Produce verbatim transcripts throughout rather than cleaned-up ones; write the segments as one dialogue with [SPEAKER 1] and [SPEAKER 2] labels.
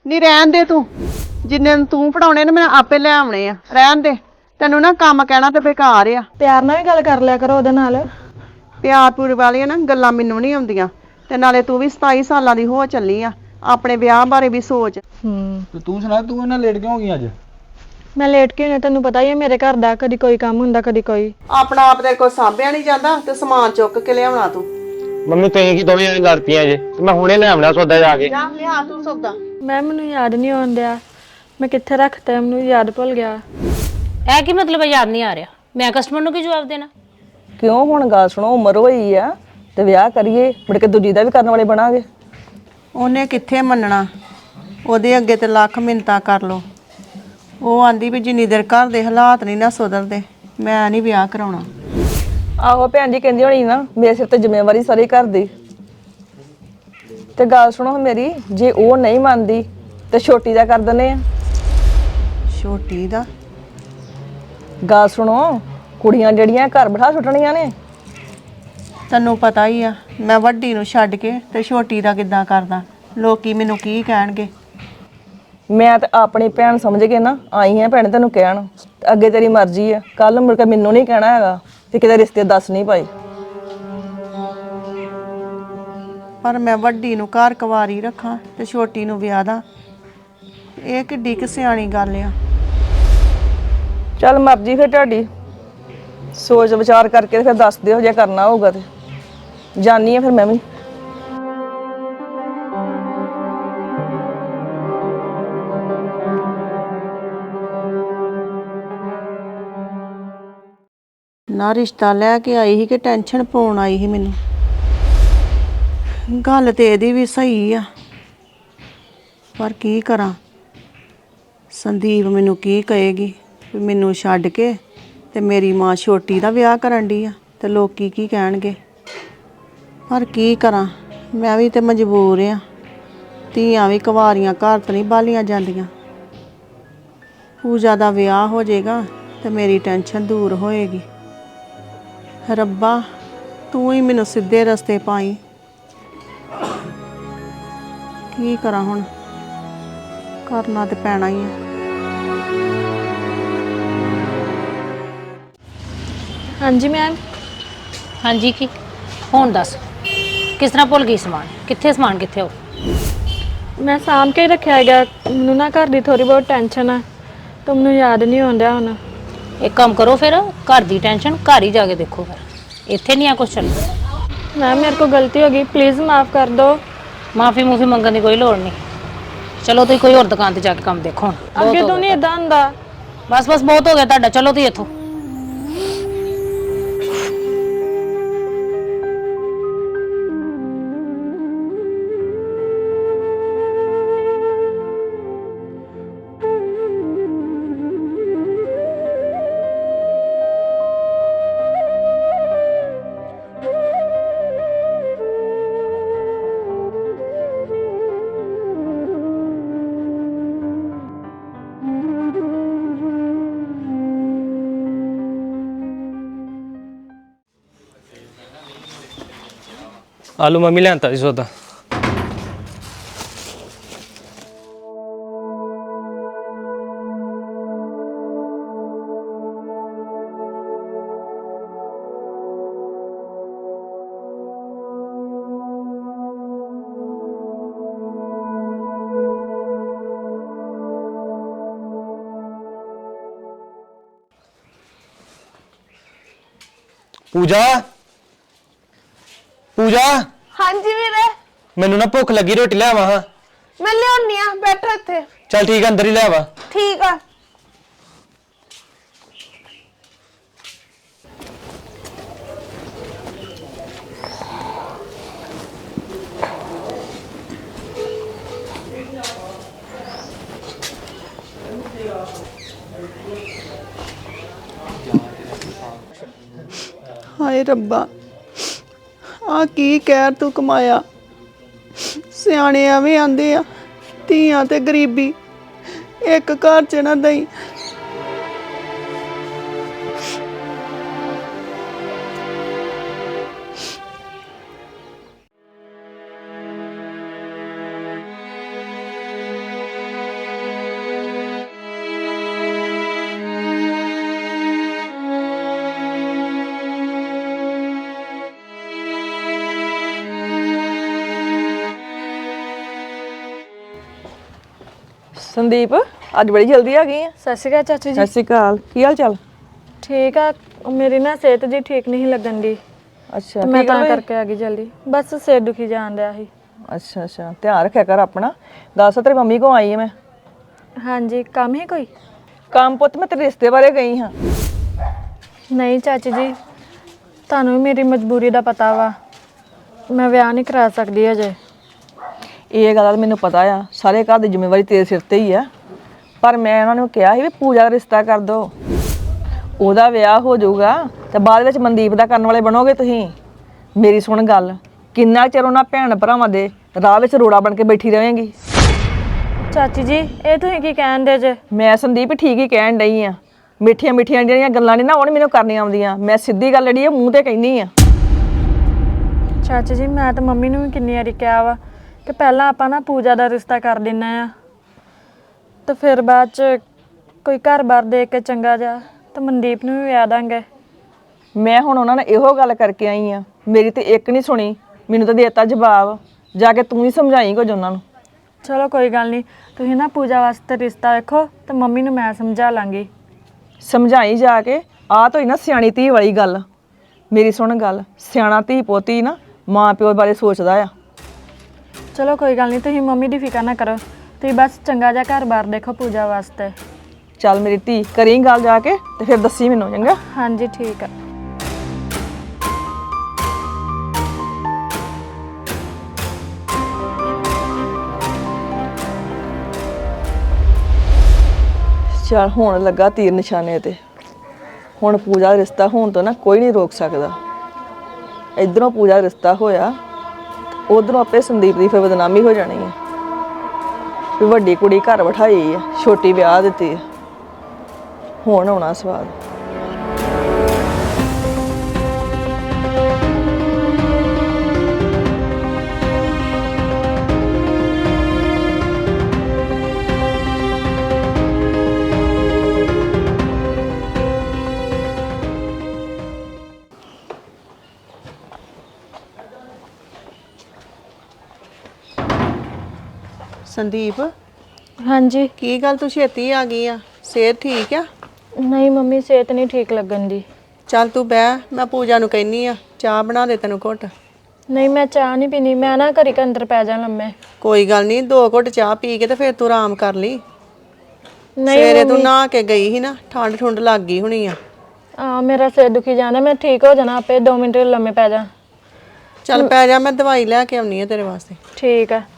[SPEAKER 1] ਨੀ ਰਹਿਣ ਦੇ ਤੂੰ। ਜਿੰਨੇ ਨੂੰ ਤੂੰ ਪੜਾਉਣੇ ਨੇ ਮੈਂ ਆਪੇ ਲੈ ਆਉਣੇ ਆ। ਰਹਿਣ ਦੇ। ਤੈਨੂੰ ਨਾ ਕੰਮ ਕਹਿਣਾ ਤੇ ਬੇਕਾਰ ਆ।
[SPEAKER 2] ਪਿਆਰ ਨਾਲ ਵੀ ਗੱਲ ਕਰ ਲਿਆ ਕਰੋ ਉਹਦੇ ਨਾਲ।
[SPEAKER 1] ਪਿਆਰ ਪੂਰ ਵਾਲੀਆਂ ਨਾ ਗੱਲਾਂ ਮੈਨੂੰ ਨਹੀਂ ਆਉਂਦੀਆਂ। ਤੇ ਨਾਲੇ ਤੂੰ ਵੀ ਸਤਾਈ ਸਾਲਾਂ ਦੀ ਹੋ ਚੱਲੀ ਆ। ਆਪਣੇ ਵਿਆਹ ਬਾਰੇ ਵੀ ਸੋਚ।
[SPEAKER 2] ਹੂੰ
[SPEAKER 3] ਤੇ ਤੂੰ ਸੁਣਾ, ਤੂੰ ਇਹਨਾਂ ਲੇਟ ਕਿਉਂ ਹੋ ਗਈ ਅੱਜ?
[SPEAKER 2] ਮੈਂ ਲੇਟ ਕਿਉਂ? ਤੈਨੂੰ ਪਤਾ ਹੀ ਹੈ ਮੇਰੇ ਘਰ ਦਾ, ਕਦੀ ਕੋਈ ਕੰਮ ਹੁੰਦਾ ਕਦੀ ਕੋਈ।
[SPEAKER 1] ਆਪਣਾ ਆਪ ਦੇ ਕੋਈ ਸਾਂਭਿਆ ਨਹੀਂ ਜਾਂਦਾ ਤੇ ਸਮਾਨ ਚੁੱਕ ਕੇ ਲਿਆਉਣਾ ਤੂੰ।
[SPEAKER 4] ਮੰਮੀ ਤੁਸੀਂ ਕੀ ਦੋਵੇਂ ਜਣੇ ਲੜ ਪਈਆਂ ਜੇ ਤੇ ਮੈਂ ਹੁਣੇ ਲੈ ਆਉਣਾ ਸੌਦਾ ਜਾ ਕੇ।
[SPEAKER 1] ਜਾ ਲਿਆ ਤੂੰ ਸੌਦਾ।
[SPEAKER 2] ਮੈਂ ਮੈਨੂੰ ਯਾਦ ਨਹੀਂ ਆਉਂਦਿਆ ਮੈਂ ਕਿੱਥੇ ਰੱਖਤਾ, ਮੈਨੂੰ ਯਾਦ ਭੁੱਲ ਗਿਆ।
[SPEAKER 5] ਇਹ ਕੀ ਮਤਲਬ ਯਾਦ ਨਹੀਂ ਆ ਰਿਹਾ? ਮੈਂ ਕਸਟਮਰ ਨੂੰ ਕੀ ਜਵਾਬ ਦੇਣਾ?
[SPEAKER 6] ਕਿਉਂ? ਹੁਣ ਗੱਲ ਸੁਣੋ, ਉਮਰ ਹੋਈ ਆ ਤੇ ਵਿਆਹ ਕਰੀਏ, ਮੁੜ ਕੇ ਦੂਜੀ ਦਾ ਵੀ ਕਰਨ ਵਾਲੇ ਬਣਾਂਗੇ।
[SPEAKER 1] ਉਹਨੇ ਕਿੱਥੇ ਮੰਨਣਾ? ਉਹਦੇ ਅੱਗੇ ਤੇ ਲੱਖ ਮਿੰਨਤਾਂ ਕਰ ਲੋ। ਉਹ ਆਂਦੀ ਵੀ ਜਿੰਨੀ ਦੇਰ ਘਰ ਦੇ ਹਾਲਾਤ ਨਹੀਂ ਨਾ ਸੁਧਰਦੇ ਮੈਂ ਨਹੀਂ ਵਿਆਹ ਕਰਾਉਣਾ।
[SPEAKER 6] ਆਹੋ ਭੈਣ ਜੀ ਕਹਿੰਦੀ ਹੋਣੀ ਨਾ, ਮੇਰੇ ਸਿਰ ਤੇ ਜ਼ਿੰਮੇਵਾਰੀ ਸਾਰੀ ਘਰ ਦੀ। ਤੇ ਗੱਲ ਸੁਣੋ ਮੇਰੀ, ਜੇ ਉਹ ਨਹੀਂ ਮੰਨਦੀ ਤੇ ਛੋਟੀ ਦਾ ਕਰ ਦਿੰਦੇ ਆ।
[SPEAKER 1] ਛੋਟੀ ਦਾ?
[SPEAKER 6] ਗੱਲ ਸੁਣੋ, ਕੁੜੀਆਂ ਜਿਹੜੀਆਂ ਘਰ ਬਿਠਾ ਸੁੱਟਣੀਆਂ ਨੇ।
[SPEAKER 1] ਤੈਨੂੰ ਪਤਾ ਹੀ ਆ ਮੈਂ ਵੱਡੀ ਨੂੰ ਛੱਡ ਕੇ ਤੇ ਛੋਟੀ ਦਾ ਕਿੱਦਾਂ ਕਰਦਾ। ਲੋਕੀ ਮੈਨੂੰ ਕੀ ਕਹਿਣਗੇ?
[SPEAKER 6] ਮੈਂ ਤੇ ਆਪਣੀ ਭੈਣ ਸਮਝ ਕੇ ਨਾ ਆਈ ਹਾਂ ਭੈਣ ਤੈਨੂੰ ਕਹਿਣ। ਅੱਗੇ ਤੇਰੀ ਮਰਜ਼ੀ ਆ, ਕੱਲ ਮੁੜ ਕੇ ਮੈਨੂੰ ਨਹੀਂ ਕਹਿਣਾ ਹੈਗਾ ਤੇ ਕਿਤੇ ਰਿਸ਼ਤੇ ਦੱਸ ਨਹੀਂ ਪਾਈ।
[SPEAKER 1] ਪਰ ਮੈਂ ਵੱਡੀ ਨੂੰ ਘਰ ਕੁਵਾਰੀ ਰੱਖਾਂ ਤੇ ਛੋਟੀ ਨੂੰ ਵਿਆਹ ਦਾਂ, ਇਹ ਕਿੱਡੀ ਕਿ ਸਿਆਣੀ ਗੱਲ ਆ।
[SPEAKER 6] ਚੱਲ ਮਰਜ਼ੀ ਫਿਰ ਤੁਹਾਡੀ, ਸੋਚ ਵਿਚਾਰ ਕਰਕੇ ਫਿਰ ਦੱਸ ਦਿਓ ਜੇ ਕਰਨਾ ਹੋਊਗਾ ਤੇ। ਜਾਨੀ ਆ ਫਿਰ ਮੈਂ ਵੀ।
[SPEAKER 1] ਨਾ ਰਿਸ਼ਤਾ ਲੈ ਕੇ ਆਈ ਸੀ ਕਿ ਟੈਨਸ਼ਨ ਪਾਉਣ ਆਈ ਸੀ ਮੈਨੂੰ? ਗੱਲ ਤੇ ਇਹਦੀ ਵੀ ਸਹੀ ਆ, ਪਰ ਕੀ ਕਰਾਂ? ਸੰਦੀਪ ਮੈਨੂੰ ਕੀ ਕਹੇਗੀ ਵੀ ਮੈਨੂੰ ਛੱਡ ਕੇ ਤੇ ਮੇਰੀ ਮਾਂ ਛੋਟੀ ਦਾ ਵਿਆਹ ਕਰਨ ਡਈ ਆ ਤੇ ਲੋਕੀ ਕੀ ਕਹਿਣਗੇ? ਪਰ ਕੀ ਕਰਾਂ, ਮੈਂ ਵੀ ਤੇ ਮਜਬੂਰ ਆ। ਧੀਆਂ ਵੀ ਕੁਵਾਰੀਆਂ ਘਰ ਤੋਂ ਨਹੀਂ ਬਾਲੀਆਂ ਜਾਂਦੀਆਂ। ਪੂਜਾ ਦਾ ਵਿਆਹ ਹੋ ਜਾਏਗਾ ਤੇ ਮੇਰੀ ਟੈਨਸ਼ਨ ਦੂਰ ਹੋਏਗੀ। ਰੱਬਾ ਤੂੰ ਹੀ ਮੈਨੂੰ ਸਿੱਧੇ ਰਸਤੇ ਪਾਈ। ਕੀ ਕਰਾਂ ਹੁਣ? ਕਰਨਾ ਤੇ ਪੈਣਾ ਹੀ ਆ।
[SPEAKER 2] ਹਾਂਜੀ ਮੈਮ।
[SPEAKER 5] ਹਾਂਜੀ ਕੀ ਹੁਣ ਦੱਸ, ਕਿਸ ਤਰ੍ਹਾਂ ਭੁੱਲ ਗਈ ਸਮਾਨ? ਕਿੱਥੇ ਸਮਾਨ ਕਿੱਥੇ ਹੋ?
[SPEAKER 2] ਮੈਂ ਸਾਂਭ ਕੇ ਰੱਖਿਆ ਹੈਗਾ, ਮੈਨੂੰ ਨਾ ਘਰ ਦੀ ਥੋੜੀ ਬਹੁਤ ਟੈਨਸ਼ਨ ਆ ਤਾਂ ਮੈਨੂੰ ਯਾਦ ਨਹੀਂ ਆਉਂਦਾ ਹੁਣ।
[SPEAKER 5] ਇੱਕ ਕੰਮ ਕਰੋ ਫਿਰ, ਘਰ ਦੀ ਟੈਨਸ਼ਨ ਘਰ ਹੀ ਜਾ ਕੇ ਦੇਖੋ। ਫਿਰ ਇੱਥੇ ਨਹੀਂ ਆ ਕੁਛ ਚੱਲਦਾ।
[SPEAKER 2] ਮੈਮ ਮੇਰੇ ਕੋਲ ਗਲਤੀ ਹੋ ਗਈ, ਪਲੀਜ਼ ਮਾਫ ਕਰ ਦਿਓ।
[SPEAKER 5] ਮਾਫੀ ਮੂਫੀ ਮੰਗਣ ਦੀ ਕੋਈ ਲੋੜ ਨਹੀਂ। ਚਲੋ ਤੁਸੀਂ ਕੋਈ ਹੋਰ ਦੁਕਾਨ ਤੇ ਜਾ ਕੇ ਕੰਮ ਦੇਖੋ ਹੁਣ।
[SPEAKER 2] ਅੱਗੇ ਤੋਂ ਨਹੀਂ ਇਦਾਂ ਹੁੰਦਾ।
[SPEAKER 5] ਬਸ ਬਸ ਬਹੁਤ ਹੋ ਗਿਆ ਤੁਹਾਡਾ, ਚਲੋ ਤੁਸੀਂ ਇੱਥੋਂ।
[SPEAKER 7] ਆਲੂ ਮੰਮੀ ਲਿਆਂਤਾ ਸੀ ਸੌਦਾ।
[SPEAKER 4] ਪੂਜਾ ਪੂਜਾ
[SPEAKER 8] ਹਾਂਜੀ ਵੀਰੇ।
[SPEAKER 4] ਮੈਨੂੰ ਨਾ ਭੁੱਖ ਲੱਗੀ, ਰੋਟੀ ਲੈ ਆਵਾਂ ਹਾਂ।
[SPEAKER 8] ਮੈਂ ਲਿਆਉਣੀ ਆ, ਬੈਠੋ ਇੱਥੇ।
[SPEAKER 4] ਚੱਲ ਠੀਕ ਆ, ਅੰਦਰ ਹੀ ਲੈ ਆਵਾ।
[SPEAKER 8] ਠੀਕ ਆ।
[SPEAKER 1] ਹਾਏ ਰੱਬਾ, ਆ ਕੀ ਕਹਿਰ ਤੂੰ ਕਮਾਇਆ। ਸਿਆਣੇ ਐਵੇਂ ਆਂਦੇ ਆ, ਧੀਆਂ ਤੇ ਗਰੀਬੀ ਇੱਕ ਘਰ 'ਚ ਨਾ ਦਈ।
[SPEAKER 6] ਸੰਦੀਪ ਅੱਜ ਬੜੀ ਜਲਦੀ ਆ ਗਈ ਆ।
[SPEAKER 2] ਸਤਿ ਸ਼੍ਰੀ ਅਕਾਲ ਚਾਚੀ ਜੀ।
[SPEAKER 6] ਸਤਿ ਸ਼੍ਰੀ ਅਕਾਲ, ਕੀ ਹਾਲ ਚਾਲ?
[SPEAKER 2] ਠੀਕ ਆ, ਉਹ ਮੇਰੀ ਨਾ ਸਿਹਤ ਜੀ ਠੀਕ ਨਹੀਂ ਲੱਗਣ ਦੀ,
[SPEAKER 6] ਅੱਛਾ
[SPEAKER 2] ਤੇ ਮੈਂ
[SPEAKER 6] ਕੀ ਗੱਲ
[SPEAKER 2] ਤਾਂ
[SPEAKER 6] ਹੋਈ?
[SPEAKER 2] ਕਰਕੇ ਆ ਗਈ ਜਲਦੀ। ਬਸ ਸਿਰ ਦੁਖੀ ਜਾਣ ਡਿਆ ਸੀ।
[SPEAKER 6] ਅੱਛਾ ਅੱਛਾ, ਧਿਆਨ ਰੱਖਿਆ ਕਰ ਆਪਣਾ। ਦੱਸ ਤੇਰੀ ਮੰਮੀ ਕੋ ਆਈ ਆ ਮੈਂ।
[SPEAKER 2] ਹਾਂਜੀ, ਕੰਮ ਹੀ ਕੋਈ?
[SPEAKER 6] ਕੰਮ ਪੁੱਤ ਮੈਂ ਤੇਰੇ ਰਿਸ਼ਤੇ ਬਾਰੇ ਗਈ ਹਾਂ।
[SPEAKER 2] ਨਹੀਂ ਚਾਚੀ ਜੀ, ਤੁਹਾਨੂੰ ਵੀ ਮੇਰੀ ਮਜਬੂਰੀ ਦਾ ਪਤਾ ਵਾ, ਮੈਂ ਵਿਆਹ ਨਹੀਂ ਕਰਾ ਸਕਦੀ ਅਜੇ।
[SPEAKER 6] ਇਹ ਗੱਲ ਤਾਂ ਮੈਨੂੰ ਪਤਾ ਆ, ਸਾਰੇ ਘਰ ਦੀ ਜ਼ਿੰਮੇਵਾਰੀ ਤੇਰੇ ਸਿਰ ਤੇ ਹੀ ਆ। ਪਰ ਮੈਂ ਉਹਨਾਂ ਨੂੰ ਕਿਹਾ ਸੀ ਵੀ ਪੂਜਾ ਦਾ ਰਿਸ਼ਤਾ ਕਰ ਦੋ, ਉਹਦਾ ਵਿਆਹ ਹੋ ਜਾਊਗਾ ਤੇ ਬਾਅਦ ਵਿੱਚ ਮਨਦੀਪ ਦਾ ਕਰਨ ਵਾਲੇ ਬਣੋਗੇ ਤੁਸੀਂ। ਮੇਰੀ ਸੁਣ ਗੱਲ, ਕਿੰਨਾ ਚਿਰ ਉਹਨਾਂ ਭੈਣ ਭਰਾਵਾਂ ਦੇ ਰਾਹ ਵਿੱਚ ਰੋੜਾ ਬਣ ਕੇ ਬੈਠੀ ਰਵੇਂਗੀ?
[SPEAKER 2] ਚਾਚੀ ਜੀ, ਇਹ ਤੁਸੀਂ ਕੀ ਕਹਿਣ ਦੇ ਜੇ?
[SPEAKER 6] ਮੈਂ ਸੰਦੀਪ ਠੀਕ ਹੀ ਕਹਿਣ ਡਈ ਆ। ਮਿੱਠੀਆਂ ਮਿੱਠੀਆਂ ਜਿਹੜੀਆਂ ਗੱਲਾਂ ਨੇ ਨਾ ਉਹ ਨੀ ਮੈਨੂੰ ਕਰਨੀਆਂ ਆਉਂਦੀਆਂ। ਮੈਂ ਸਿੱਧੀ ਗੱਲ ਜਿਹੜੀ ਆ ਮੂੰਹ ਤੇ ਕਹਿੰਦੀ ਆ।
[SPEAKER 2] ਚਾਚੀ ਜੀ, ਮੈਂ ਤਾਂ ਮੰਮੀ ਨੂੰ ਵੀ ਕਿੰਨੀ ਵਾਰੀ ਕਿਹਾ ਵਾ ਕਿ ਪਹਿਲਾਂ ਆਪਾਂ ਨਾ ਪੂਜਾ ਦਾ ਰਿਸ਼ਤਾ ਕਰ ਦਿੰਨਾ ਆ, ਤੇ ਫਿਰ ਬਾਅਦ 'ਚ ਕੋਈ ਘਰ-ਬਾਰ ਦੇ ਕੇ ਚੰਗਾ ਜਾ ਤੇ ਮਨਦੀਪ ਨੂੰ ਵੀ ਵਿਆਹ ਦਾਂਗੇ।
[SPEAKER 6] ਮੈਂ ਹੁਣ ਉਹਨਾਂ ਨਾਲ ਇਹੋ ਗੱਲ ਕਰਕੇ ਆਈ ਆ, ਮੇਰੀ ਤੇ ਇੱਕ ਨਹੀਂ ਸੁਣੀ, ਮੈਨੂੰ ਤਾਂ ਦੇਤਾ ਜਵਾਬ। ਜਾ ਕੇ ਤੂੰ ਹੀ ਸਮਝਾਈ ਕੁਝ ਉਹਨਾਂ ਨੂੰ।
[SPEAKER 2] ਚਲੋ ਕੋਈ ਗੱਲ ਨਹੀਂ, ਤੁਸੀਂ ਨਾ ਪੂਜਾ ਵਾਸਤੇ ਰਿਸ਼ਤਾ ਵੇਖੋ ਤੇ ਮੰਮੀ ਨੂੰ ਮੈਂ ਸਮਝਾ ਲਾਂਗੀ।
[SPEAKER 6] ਸਮਝਾਈ ਜਾ ਕੇ। ਆਹ ਤਾਂ ਹੋਈ ਨਾ ਸਿਆਣੀ ਧੀ ਵਾਲੀ ਗੱਲ। ਮੇਰੀ ਸੁਣ ਗੱਲ, ਸਿਆਣਾ ਧੀ ਪੋਤੀ ਨਾ ਮਾਂ ਪਿਓ ਬਾਰੇ ਸੋਚਦਾ ਆ।
[SPEAKER 2] ਚਲੋ ਕੋਈ ਗੱਲ ਨਹੀਂ, ਤੁਸੀਂ ਮੰਮੀ ਦੀ ਫਿਕਰ ਨਾ ਕਰੋ, ਤੁਸੀਂ ਬਸ ਚੰਗਾ ਜਿਹਾ ਘਰ-ਬਾਰ ਦੇਖੋ ਪੂਜਾ ਵਾਸਤੇ।
[SPEAKER 6] ਚੱਲ ਮੇਰੀ ਧੀ, ਕਰੀ ਗੱਲ ਜਾ ਕੇ ਤੇ ਫਿਰ ਦੱਸੀ ਮੈਨੂੰ, ਚੰਗਾ?
[SPEAKER 2] ਹਾਂਜੀ ਠੀਕ ਆ।
[SPEAKER 6] ਚੱਲ ਹੁਣ ਲੱਗਾ ਤੀਰ ਨਿਸ਼ਾਨੇ ਤੇ। ਹੁਣ ਪੂਜਾ ਦਾ ਰਿਸ਼ਤਾ ਹੋਣ ਤੋਂ ਨਾ ਕੋਈ ਨਹੀਂ ਰੋਕ ਸਕਦਾ। ਇਧਰੋਂ ਪੂਜਾ ਦਾ ਰਿਸ਼ਤਾ ਹੋਇਆ, ਉਧਰੋਂ ਆਪੇ ਸੰਦੀਪ ਦੀ ਫਿਰ ਬਦਨਾਮੀ ਹੋ ਜਾਣੀ ਹੈ ਵੀ ਵੱਡੀ ਕੁੜੀ ਘਰ ਬਿਠਾਈ ਆ, ਛੋਟੀ ਵਿਆਹ ਦਿੱਤੀ ਆ। ਹੁਣ ਆਉਣਾ ਸਵਾਦ।
[SPEAKER 1] ਸੰਦੀਪ,
[SPEAKER 2] ਹਾਂਜੀ।
[SPEAKER 1] ਕੀ ਗੱਲ ਤੂੰ ਛੇਤੀ ਆ ਗਈ ਆ? ਸਿਹਤ ਠੀਕ ਆ?
[SPEAKER 2] ਨਹੀਂ ਮੰਮੀ, ਸਿਹਤ ਨਹੀਂ ਠੀਕ ਲੱਗਣ ਦੀ।
[SPEAKER 1] ਚੱਲ ਤੂੰ ਬਹਿ, ਮੈਂ ਪੂਜਾ ਨੂੰ ਕਹਿੰਨੀ ਆ ਚਾਹ ਬਣਾ ਦੇ ਤੈਨੂੰ ਘੁੱਟ।
[SPEAKER 2] ਨਹੀਂ, ਮੈਂ ਚਾਹ ਨਹੀਂ ਪੀਣੀ, ਮੈਂ ਨਾ ਘੜੀ ਕੇ ਅੰਦਰ ਪੈ ਜਾ ਲੰਮੇ।
[SPEAKER 1] ਕੋਈ ਗੱਲ ਨਹੀਂ, ਦੋ ਘੁੱਟ ਚਾਹ ਪੀ ਕੇ ਤੇ ਫਿਰ ਤੂੰ ਆਰਾਮ ਕਰ ਲਈ।
[SPEAKER 2] ਨਹੀਂ
[SPEAKER 1] ਸਵੇਰੇ ਤੂੰ ਨਹਾ ਕੇ ਗਈ ਸੀ ਨਾ, ਠੰਡ ਠੁੰਡ ਲੱਗ ਗਈ ਹੋਣੀ ਆ।
[SPEAKER 2] ਆ ਮੇਰਾ ਸਿਰ ਦੁਖੀ ਜਾਂਦਾ, ਮੈਂ ਠੀਕ ਹੋ ਜਾਣਾ ਆਪੇ, ਦੋ ਮਿੰਟ ਲੰਮੇ ਪੈ ਜਾ।
[SPEAKER 1] ਚੱਲ ਪੈ ਜਾ, ਮੈਂ ਦਵਾਈ ਲੈ ਕੇ ਆਉਣੀ ਆ ਤੇਰੇ ਵਾਸਤੇ।
[SPEAKER 2] ਠੀਕ ਆ।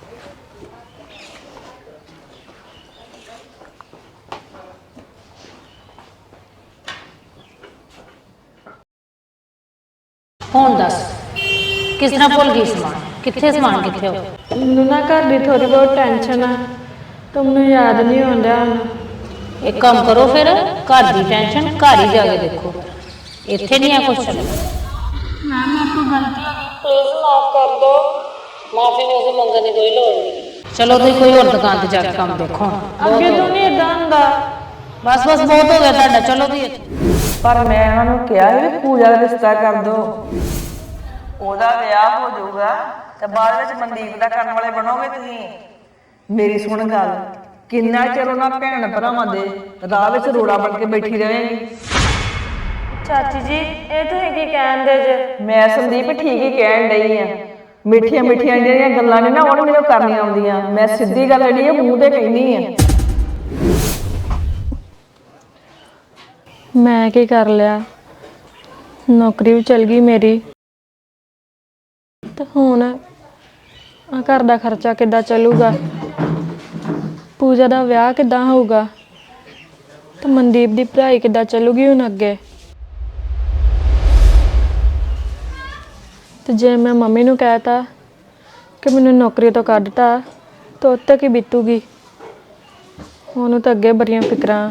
[SPEAKER 5] ਹੁਣ ਦੱਸ ਕਿਸ ਤਰ੍ਹਾਂ ਭੁੱਲ ਗਈ ਸਮਾਨ? ਕਿੱਥੇ ਸਮਾਨ ਕਿੱਥੇ ਹੋ?
[SPEAKER 2] ਮੈਨੂੰ ਨਾ ਘਰ ਦੀ ਥੋੜੀ ਬਹੁਤ ਟੈਨਸ਼ਨ ਆ, ਤੇ ਮੈਨੂੰ ਯਾਦ ਨਹੀਂ ਆਉਂਦਾ ਹੁਣ।
[SPEAKER 5] ਇੱਕ ਕੰਮ ਕਰੋ ਫਿਰ, ਘਰ ਦੀ ਟੈਨਸ਼ਨ ਘਰ ਹੀ ਜਾ ਕੇ ਦੇਖੋ, ਇੱਥੇ ਨਹੀਂ ਆ ਕੁਛ।
[SPEAKER 2] ਮੈਂ ਮੇਰੇ ਤੋਂ ਗਲਤੀ ਹੋ ਗਈ, ਪਲੀਜ਼ ਮਾਫ ਕਰ ਦਿਓ।
[SPEAKER 5] ਮਾਫੀ ਮੂਫੀ ਮੰਗਣ ਦੀ ਕੋਈ ਲੋੜ ਨਹੀਂ। ਚਲੋ ਤੁਸੀਂ ਕੋਈ ਹੋਰ ਦੁਕਾਨ ਤੇ ਜਾ ਕੇ ਕੰਮ ਦੇਖੋ।
[SPEAKER 2] ਅੱਗੇ ਤੋਂ ਨਹੀਂ ਏਦਾਂ ਹੁੰਦਾ।
[SPEAKER 5] ਬਸ ਬਸ ਬਹੁਤ ਹੋ ਗਿਆ ਤੁਹਾਡਾ, ਚਲੋ ਤੁਸੀਂ।
[SPEAKER 6] ਪਰ ਮੈਂ ਉਹਨਾਂ ਨੂੰ ਕਿਹਾ ਸੀ ਵੀ ਪੂਜਾ ਦਾ ਰਿਸ਼ਤਾ ਕਰ ਦੋ, ਉਹਦਾ ਵਿਆਹ ਹੋ ਜਾਊਗਾ ਤੇ ਬਾਅਦ ਵਿੱਚ ਮਨਦੀਪ ਦਾ ਕਰਨ ਵਾਲੇ ਬਣੋਗੇ ਤੁਸੀਂ। ਮੇਰੀ ਸੁਣ ਗੱਲ, ਕਿੰਨਾ ਚਿਰ ਉਹਨਾਂ ਭੈਣ ਭਰਾਵਾਂ ਦੇ ਰਾਹ ਵਿੱਚ ਰੋੜਾ ਬਣ ਕੇ ਬੈਠੀ ਰਵੇਂਗੀ?
[SPEAKER 2] ਚਾਚੀ ਜੀ, ਇਹ ਤੁਸੀਂ ਕੀ ਕਹਿੰਦੇ ਜੇ?
[SPEAKER 6] ਮੈਂ ਸੰਦੀਪ ਠੀਕ ਹੀ ਕਹਿਣ ਡਈ ਆ। ਮਿੱਠੀਆਂ ਮਿੱਠੀਆਂ ਜਿਹੜੀਆਂ ਗੱਲਾਂ ਨੇ ਨਾ ਉਹ ਨੀ ਮੈਨੂੰ ਕਰਨੀਆਂ ਆਉਂਦੀਆਂ। ਮੈਂ ਸਿੱਧੀ ਗੱਲ ਜਿਹੜੀ ਆ ਮੂੰਹ ਤੇ ਕਹਿੰਦੀ ਆ।
[SPEAKER 2] ਮੈਂ ਕੀ ਕਰ ਲਿਆ? ਨੌਕਰੀ ਵੀ ਚਲ ਗਈ ਮੇਰੀ, ਤੇ ਹੁਣ ਆ ਘਰ ਦਾ ਖਰਚਾ ਕਿੱਦਾਂ ਚੱਲੂਗਾ? ਪੂਜਾ ਦਾ ਵਿਆਹ ਕਿੱਦਾਂ ਹੋਊਗਾ? ਤੇ ਮਨਦੀਪ ਦੀ ਪੜ੍ਹਾਈ ਕਿੱਦਾਂ ਚੱਲੂਗੀ ਹੁਣ ਅੱਗੇ? ਤੇ ਜੇ ਮੈਂ ਮੰਮੀ ਨੂੰ ਕਹਿਤਾ ਕਿ ਮੈਨੂੰ ਨੌਕਰੀ ਤੋਂ ਕੱਢਤਾ ਤਾਂ ਉਹ ਤੱਕ ਹੀ ਬੀਤੂਗੀ। ਉਹਨੂੰ ਤਾਂ ਅੱਗੇ ਬੜੀਆਂ ਫਿਕਰਾਂ।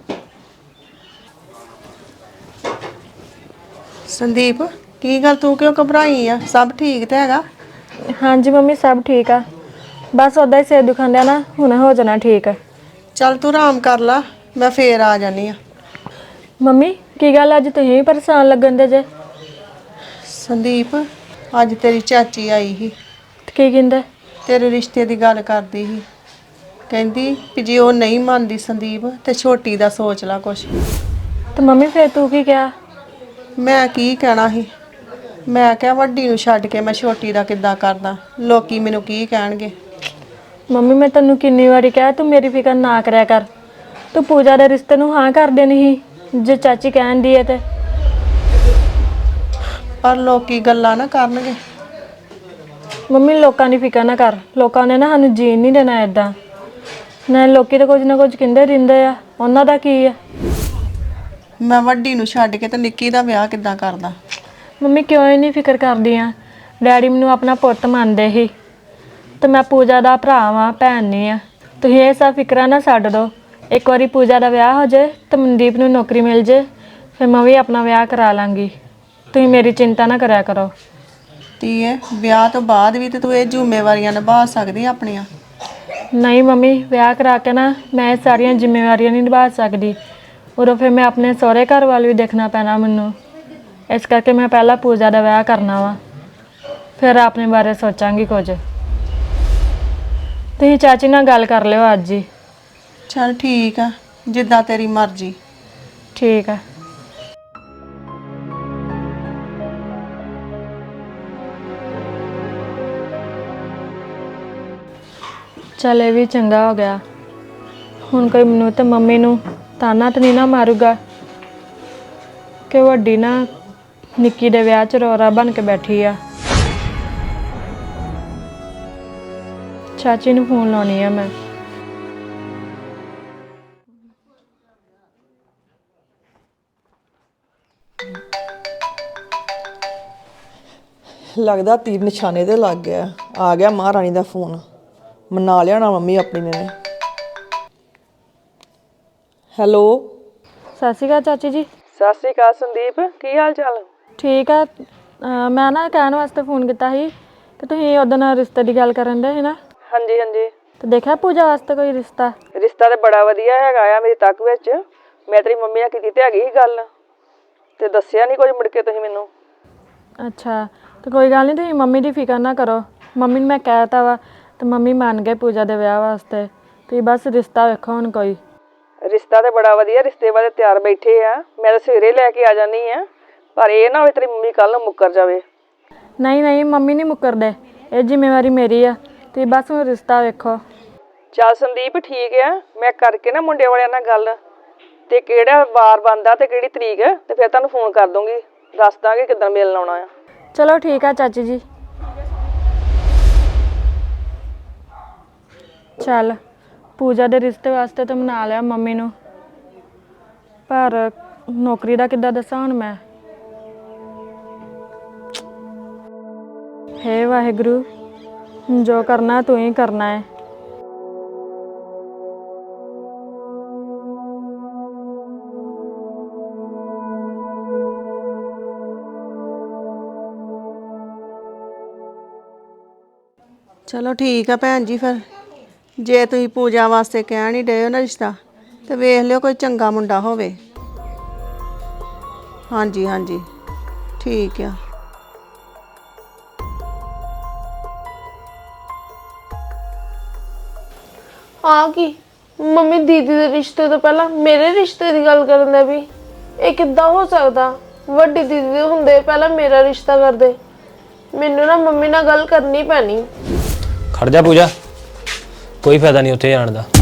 [SPEAKER 1] ਸੰਦੀਪ, ਕੀ ਗੱਲ ਤੂੰ ਕਿਉਂ ਘਬਰਾਈ ਆ? ਸਭ ਠੀਕ ਤੇ ਹੈਗਾ?
[SPEAKER 2] ਹਾਂਜੀ ਮੰਮੀ, ਸਭ ਠੀਕ ਆ, ਬਸ ਉਦਾਂ ਹੀ ਸਿਰ ਦੁਖਣ ਡਿਆ ਨਾ, ਹੁਣ ਹੋ ਜਾਣਾ ਠੀਕ।
[SPEAKER 1] ਚੱਲ ਤੂੰ ਆਰਾਮ ਕਰ ਲਾ, ਮੈਂ ਫੇਰ ਆ ਜਾਨੀ ਆ।
[SPEAKER 2] ਮੰਮੀ ਕੀ ਗੱਲ, ਅੱਜ ਤੁਸੀਂ ਵੀ ਪਰੇਸ਼ਾਨ ਲੱਗਣ ਦੇ ਜੇ?
[SPEAKER 1] ਸੰਦੀਪ, ਅੱਜ ਤੇਰੀ ਚਾਚੀ ਆਈ ਸੀ,
[SPEAKER 2] ਕੀ ਕਹਿੰਦੇ?
[SPEAKER 1] ਤੇਰੇ ਰਿਸ਼ਤੇ ਦੀ ਗੱਲ ਕਰਦੀ ਸੀ। ਕਹਿੰਦੀ ਕਿ ਜੇ ਉਹ ਨਹੀਂ ਮੰਨਦੀ ਸੰਦੀਪ ਤੇ ਛੋਟੀ ਦਾ ਸੋਚ ਲਾ ਕੁਛ।
[SPEAKER 2] ਤੇ ਮੰਮੀ ਫਿਰ ਤੂੰ ਕੀ ਕਿਹਾ?
[SPEAKER 1] ਮੈਂ ਕੀ ਕਹਿਣਾ ਸੀ, ਮੈਂ ਕਿਹਾ ਵੱਡੀ ਨੂੰ ਛੱਡ ਕੇ ਮੈਂ ਛੋਟੀ ਦਾ ਕਿੱਦਾਂ ਕਰਦਾ, ਲੋਕੀ ਮੈਨੂੰ ਕੀ ਕਹਿਣਗੇ।
[SPEAKER 2] ਮੰਮੀ ਮੈਂ ਤੈਨੂੰ ਕਿੰਨੀ ਵਾਰੀ ਕਿਹਾ ਤੂੰ ਮੇਰੀ ਫਿਕਰ ਨਾ ਕਰਿਆ ਕਰ। ਤੂੰ ਪੂਜਾ ਦੇ ਰਿਸ਼ਤੇ ਨੂੰ ਹਾਂ ਕਰ ਦੇਣੀ ਸੀ ਜੇ ਚਾਚੀ ਕਹਿੰਦੀ ਹੈ ਤੇ।
[SPEAKER 1] ਪਰ ਲੋਕੀ ਗੱਲਾਂ ਨਾ ਕਰਨਗੇ।
[SPEAKER 2] ਮੰਮੀ ਲੋਕਾਂ ਦੀ ਫਿਕਰ ਨਾ ਕਰ, ਲੋਕਾਂ ਨੇ ਨਾ ਸਾਨੂੰ ਜੀਣ ਨਹੀਂ ਦੇਣਾ ਇਦਾਂ। ਨਾ ਲੋਕੀ ਤਾਂ ਕੁਝ ਨਾ ਕੁਝ ਕਹਿੰਦੇ ਰਹਿੰਦੇ ਆ, ਉਹਨਾਂ ਦਾ ਕੀ ਆ।
[SPEAKER 1] ਮੈਂ ਵੱਡੀ ਨੂੰ ਛੱਡ ਕੇ ਤੇ ਨਿੱਕੀ ਦਾ ਵਿਆਹ ਕਿੱਦਾਂ ਕਰਦਾ।
[SPEAKER 2] ਮੰਮੀ ਕਿਉਂ ਹੀ ਨਹੀਂ ਫਿਕਰ ਕਰਦੀ ਆ? ਡੈਡੀ ਮੈਨੂੰ ਆਪਣਾ ਪੁੱਤ ਮੰਨਦੇ ਸੀ ਤੇ ਮੈਂ ਪੂਜਾ ਦਾ ਭਰਾ ਵਾਂ, ਭੈਣ ਨਹੀਂ ਆ। ਤੁਸੀਂ ਇਹ ਸਭ ਫਿਕਰਾਂ ਨਾ ਛੱਡ ਦਿਓ। ਇੱਕ ਵਾਰੀ ਪੂਜਾ ਦਾ ਵਿਆਹ ਹੋ ਜਾਏ ਤੇ ਮਨਦੀਪ ਨੂੰ ਨੌਕਰੀ ਮਿਲ ਜੇ, ਫਿਰ ਮੈਂ ਵੀ ਆਪਣਾ ਵਿਆਹ ਕਰਾ ਲਾਂਗੀ। ਤੁਸੀਂ ਮੇਰੀ ਚਿੰਤਾ ਨਾ ਕਰਿਆ ਕਰੋ।
[SPEAKER 1] ਧੀਏ ਵਿਆਹ ਤੋਂ ਬਾਅਦ ਵੀ ਤੇ ਤੂੰ ਇਹ ਜ਼ਿੰਮੇਵਾਰੀਆਂ ਨਿਭਾ ਸਕਦੀ ਆਪਣੀਆਂ।
[SPEAKER 2] ਨਹੀਂ ਮੰਮੀ, ਵਿਆਹ ਕਰਾ ਕੇ ਨਾ ਮੈਂ ਇਹ ਸਾਰੀਆਂ ਜ਼ਿੰਮੇਵਾਰੀਆਂ ਨਹੀਂ ਨਿਭਾ ਸਕਦੀ। ਉਦੋਂ ਫਿਰ ਮੈਂ ਆਪਣੇ ਸਹੁਰੇ ਘਰ ਵੱਲ ਵੀ ਦੇਖਣਾ ਪੈਣਾ ਮੈਨੂੰ। ਇਸ ਕਰਕੇ ਮੈਂ ਪਹਿਲਾਂ ਪੂਜਾ ਦਾ ਵਿਆਹ ਕਰਨਾ ਵਾ, ਫਿਰ ਆਪਣੇ ਬਾਰੇ ਸੋਚਾਂਗੀ ਕੁਝ। ਤੁਸੀਂ ਚਾਚੀ ਨਾਲ ਗੱਲ ਕਰ ਲਿਓ ਅੱਜ ਹੀ।
[SPEAKER 1] ਚਲ ਠੀਕ ਆ, ਜਿੱਦਾਂ ਤੇਰੀ ਮਰਜ਼ੀ।
[SPEAKER 2] ਠੀਕ ਆ। ਚੱਲ ਇਹ ਵੀ ਚੰਗਾ ਹੋ ਗਿਆ। ਹੁਣ ਕੋਈ ਮੈਨੂੰ ਤੇ ਮੰਮੀ ਨੂੰ ਤਾਨਾ ਤਾਂ ਨਹੀਂ ਨਾ ਮਾਰੂਗਾ ਕਿ ਵੱਡੀ ਨਾ ਨਿੱਕੀ ਦੇ ਵਿਆਹ 'ਚ ਰੋਰਾ ਬਣ ਕੇ ਬੈਠੀ ਆ। ਚਾਚੀ ਨੂੰ ਫੋਨ ਲਾਉਣੀ ਆ ਮੈਂ।
[SPEAKER 6] ਲੱਗਦਾ ਤੀਰ ਨਿਸ਼ਾਨੇ ਤੇ ਲੱਗ ਗਿਆ। ਆ ਗਿਆ ਮਹਾਰਾਣੀ ਦਾ ਫੋਨ। ਮਨਾ ਲਿਆਣਾ ਮੰਮੀ ਆਪਣੀ ਨੇ। ਹੈਲੋ,
[SPEAKER 2] ਸਤਿ ਸ਼੍ਰੀ ਅਕਾਲ ਚਾਚੀ ਜੀ।
[SPEAKER 6] ਸਤਿ ਸ਼੍ਰੀ ਅਕਾਲ ਸੰਦੀਪ, ਕੀ ਹਾਲ ਚਾਲ?
[SPEAKER 2] ਠੀਕ ਆ। ਅਹ ਮੈਂ ਨਾ ਕਹਿਣ ਵਾਸਤੇ ਫੋਨ ਕੀਤਾ ਸੀ ਕਿ ਤੁਸੀਂ ਉਹਦੇ ਨਾਲ ਰਿਸ਼ਤੇ ਦੀ ਗੱਲ ਕਰਨ ਦੇ ਸੀ ਨਾ।
[SPEAKER 6] ਹਾਂਜੀ ਹਾਂਜੀ।
[SPEAKER 2] ਤੇ ਦੇਖਿਆ ਪੂਜਾ ਵਾਸਤੇ ਕੋਈ ਰਿਸ਼ਤਾ?
[SPEAKER 6] ਰਿਸ਼ਤਾ ਤੇ ਬੜਾ ਵਧੀਆ ਹੈਗਾ ਆ ਮੇਰੀ ਤੱਕ ਵਿੱਚ। ਮੈਂ ਤੇਰੀ ਮੰਮੀ ਨਾਲ ਕੀਤੀ ਤੇ ਹੈਗੀ ਸੀ ਗੱਲ, ਤੇ ਦੱਸਿਆ ਨਹੀਂ ਕੁਝ ਮੁੜ ਕੇ ਤੁਸੀਂ ਮੈਨੂੰ।
[SPEAKER 2] ਅੱਛਾ, ਤੇ ਕੋਈ ਗੱਲ ਨਹੀਂ, ਤੁਸੀਂ ਮੰਮੀ ਦੀ ਫਿਕਰ ਨਾ ਕਰੋ। ਮੰਮੀ ਨੂੰ ਮੈਂ ਕਹਿ ਤਾ ਵਾ ਤੇ ਮੰਮੀ ਮੰਨ ਗਏ ਪੂਜਾ ਦੇ ਵਿਆਹ ਵਾਸਤੇ। ਤੁਸੀਂ ਬਸ ਰਿਸ਼ਤਾ ਵੇਖੋ ਹੁਣ ਕੋਈ।
[SPEAKER 6] ਰਿਸ਼ਤਾ ਤੇ ਬੜਾ ਵਧੀਆ, ਰਿਸ਼ਤੇ ਵਾਲੇ ਤਿਆਰ ਬੈਠੇ ਆ। ਮੈਂ ਤਾਂ ਸਵੇਰੇ ਲੈ ਕੇ ਆ ਜਾਨੀ ਆ, ਪਰ ਇਹ ਨਾ ਹੋਵੇ ਤੇਰੀ ਮੰਮੀ ਕੱਲ ਨੂੰ ਮੁੱਕਰ ਜਾਵੇ।
[SPEAKER 2] ਨਹੀਂ ਨਹੀਂ, ਮੰਮੀ ਨਹੀਂ ਮੁੱਕਰਦੇ, ਇਹ ਜ਼ਿੰਮੇਵਾਰੀ ਮੇਰੀ ਆ। ਤੁਸੀਂ ਬਸ ਹੁਣ ਰਿਸ਼ਤਾ ਵੇਖੋ।
[SPEAKER 6] ਚੱਲ ਸੰਦੀਪ ਠੀਕ ਆ, ਮੈਂ ਕਰਕੇ ਨਾ ਮੁੰਡੇ ਵਾਲਿਆਂ ਨਾਲ ਗੱਲ, ਤੇ ਕਿਹੜਾ ਵਾਰ ਬਣਦਾ ਤੇ ਕਿਹੜੀ ਤਰੀਕ, ਤੇ ਫਿਰ ਤੁਹਾਨੂੰ ਫੋਨ ਕਰ ਦੂੰਗੀ, ਦੱਸ ਦਾਂਗੇ ਕਿੱਦਣ ਮਿਲਣ ਆਉਣਾ ਆ।
[SPEAKER 2] ਚਲੋ ਠੀਕ ਆ ਚਾਚੀ ਜੀ। ਚੱਲ ਪੂਜਾ ਦੇ ਰਿਸ਼ਤੇ ਵਾਸਤੇ ਤਾਂ ਮਨਾ ਲਿਆ ਮੰਮੀ ਨੂੰ, ਪਰ ਨੌਕਰੀ ਦਾ ਕਿੱਦਾਂ ਦੱਸਾਂ ਹੁਣ ਮੈਂ। ਹੇ ਵਾਹਿਗੁਰੂ, ਜੋ ਕਰਨਾ ਤੂੰ ਹੀ ਕਰਨਾ ਹੈ।
[SPEAKER 1] ਚਲੋ ਠੀਕ ਆ ਭੈਣ ਜੀ, ਫਿਰ ਜੇ ਤੁਸੀਂ ਪੂਜਾ ਵਾਸਤੇ ਕਹਿਣ ਹੀ ਡਏ ਹੋ ਨਾ ਰਿਸ਼ਤਾ, ਤੇ ਵੇਖ ਲਿਓ ਕੋਈ ਚੰਗਾ ਮੁੰਡਾ ਹੋਵੇ। ਹਾਂਜੀ ਹਾਂਜੀ ਠੀਕ ਆ।
[SPEAKER 8] ਆ ਕੀ ਮੰਮੀ ਦੀਦੀ ਦੇ ਰਿਸ਼ਤੇ ਤੋਂ ਪਹਿਲਾਂ ਮੇਰੇ ਰਿਸ਼ਤੇ ਦੀ ਗੱਲ ਕਰਨ ਦਾ ਵੀ ਇਹ ਕਿੱਦਾਂ ਹੋ ਸਕਦਾ? ਵੱਡੀ ਦੀਦੀ ਦੇ ਹੁੰਦੇ ਪਹਿਲਾਂ ਮੇਰਾ ਰਿਸ਼ਤਾ ਕਰਦੇ। ਮੈਨੂੰ ਨਾ ਮੰਮੀ ਨਾਲ ਗੱਲ ਕਰਨੀ ਪੈਣੀ।
[SPEAKER 7] ਖੜ ਜਾ ਪੂਜਾ, ਕੋਈ ਫਾਇਦਾ ਨਹੀਂ ਉੱਥੇ ਜਾਣ ਦਾ।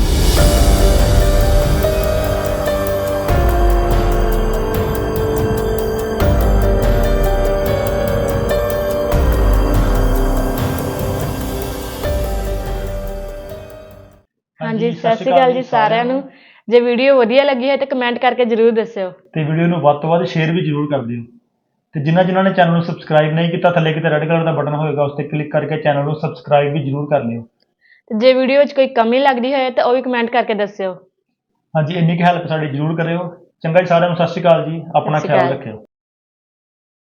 [SPEAKER 2] ਹਾਂਜੀ, ਸਤਿ ਸ਼੍ਰੀ ਅਕਾਲ ਜੀ ਸਾਰਿਆਂ ਨੂੰ। ਜੇ ਵੀਡੀਓ ਵਧੀਆ ਲੱਗੀ ਹੈ ਤਾਂ ਕਮੈਂਟ ਕਰਕੇ ਜ਼ਰੂਰ ਦੱਸਿਓ,
[SPEAKER 3] ਤੇ ਵੀਡੀਓ ਨੂੰ ਵੱਧ ਤੋਂ ਵੱਧ ਸ਼ੇਅਰ ਵੀ ਜ਼ਰੂਰ ਕਰ ਦਿਓ। ਤੇ ਜਿਨ੍ਹਾਂ ਜਿਨ੍ਹਾਂ ਨੇ ਚੈਨਲ ਨੂੰ ਸਬਸਕ੍ਰਾਈਬ ਨਹੀਂ ਕੀਤਾ, ਥੱਲੇ ਕਿਤੇ ਰੈੱਡ ਕਲਰ ਦਾ ਬਟਨ ਹੋਏਗਾ, ਉਸ ਤੇ ਕਲਿੱਕ ਕਰਕੇ ਚੈਨਲ ਨੂੰ ਸਬਸਕ੍ਰਾਈਬ ਵੀ ਜ਼ਰੂਰ ਕਰ ਲਿਓ।
[SPEAKER 2] ਤੇ ਜੇ ਵੀਡੀਓ ਵਿੱਚ ਕੋਈ ਕਮੀ ਲੱਗਦੀ ਹੋਏ ਤਾਂ ਉਹ ਵੀ ਕਮੈਂਟ ਕਰਕੇ ਦੱਸਿਓ।
[SPEAKER 3] ਹਾਂਜੀ, ਇੰਨੀ ਕੁ ਹੈਲਪ ਸਾਡੀ ਜ਼ਰੂਰ ਕਰਿਓ। ਚੰਗਾ ਜੀ, ਸਾਰਿਆਂ ਨੂੰ ਸਤਿ ਸ਼੍ਰੀ ਅਕਾਲ ਜੀ, ਆਪਣਾ
[SPEAKER 2] ਸਤਿ ਸ਼੍ਰੀ
[SPEAKER 3] ਖਿਆਲ
[SPEAKER 2] ਅਕਾਲ।
[SPEAKER 3] ਰੱਖਿਓ।